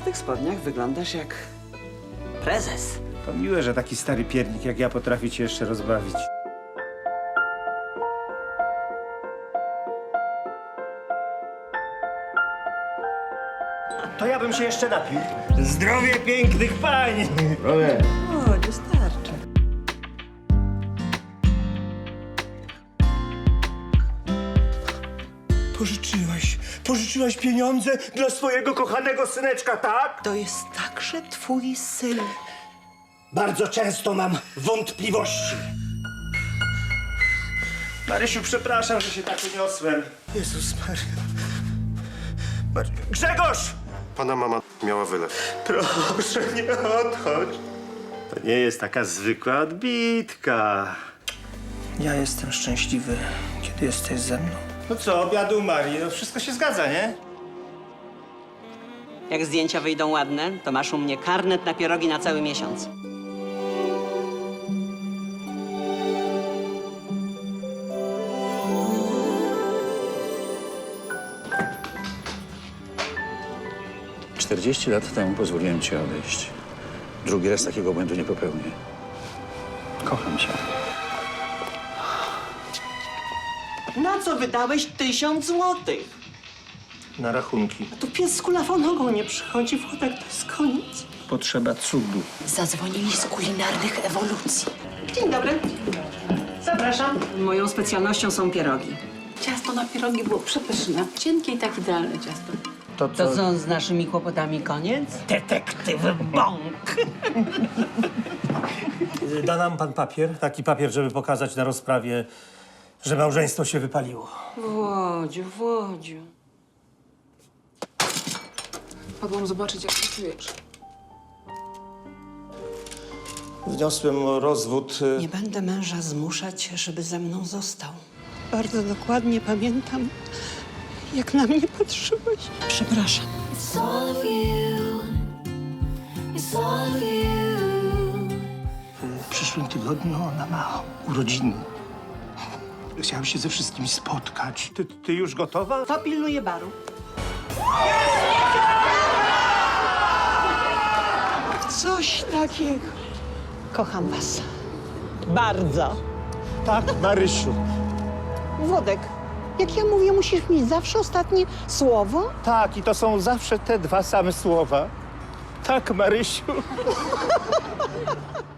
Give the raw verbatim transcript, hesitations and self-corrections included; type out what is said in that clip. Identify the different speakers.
Speaker 1: tych spodniach wyglądasz jak prezes.
Speaker 2: To miłe, że taki stary piernik jak ja potrafi cię jeszcze rozbawić. To ja bym się jeszcze napił. Zdrowie pięknych pań!
Speaker 1: O, nie starczy.
Speaker 2: Pożyczyłaś, pożyczyłaś pieniądze dla swojego kochanego syneczka, tak?
Speaker 1: To jest także twój syn.
Speaker 2: Bardzo często mam wątpliwości. Marysiu, przepraszam, że się tak uniosłem. Jezus Maria. Mar... Grzegorz!
Speaker 3: Pana mama miała wylew.
Speaker 2: Proszę, nie odchodź. To nie jest taka zwykła odbitka. Ja jestem szczęśliwy, kiedy jesteś ze mną. No co, obiadu Marii, no wszystko się zgadza, nie?
Speaker 4: Jak zdjęcia wyjdą ładne, to masz u mnie karnet na pierogi na cały miesiąc.
Speaker 5: czterdzieści lat temu pozwoliłem ci odejść. Drugi raz takiego błędu nie popełnię. Kocham cię.
Speaker 4: Na co wydałeś tysiąc złotych?
Speaker 2: Na rachunki.
Speaker 4: Tu pies z kulawą nogą nie przychodzi, Włodek, to jest koniec.
Speaker 2: Potrzeba cudu.
Speaker 6: Zadzwonili z kulinarnych ewolucji.
Speaker 4: Dzień dobry. Zapraszam. Moją specjalnością są pierogi.
Speaker 6: Ciasto na pierogi było przepyszne. Cienkie i tak idealne ciasto.
Speaker 2: To
Speaker 4: To co, z naszymi kłopotami koniec? Detektyw Bąk.
Speaker 2: Da nam pan papier, taki papier, żeby pokazać na rozprawie, że małżeństwo się wypaliło.
Speaker 4: Włodziu, Włodziu.
Speaker 7: Padłam zobaczyć, jak się czujesz.
Speaker 2: Wniosłem o rozwód.
Speaker 1: Nie będę męża zmuszać, żeby ze mną został. Bardzo dokładnie pamiętam, jak na mnie patrzyłeś. Przepraszam.
Speaker 8: It's all of you. It's all of you.
Speaker 2: W przyszłym tygodniu ona ma urodziny. Chciałem się ze wszystkimi spotkać. Ty, ty już gotowa?
Speaker 4: To pilnuje baru.
Speaker 1: Coś takiego. Kocham was.
Speaker 4: Bardzo.
Speaker 2: Tak, Marysiu.
Speaker 1: Włodek, jak ja mówię, musisz mieć zawsze ostatnie słowo?
Speaker 2: Tak, i to są zawsze te dwa same słowa. Tak, Marysiu.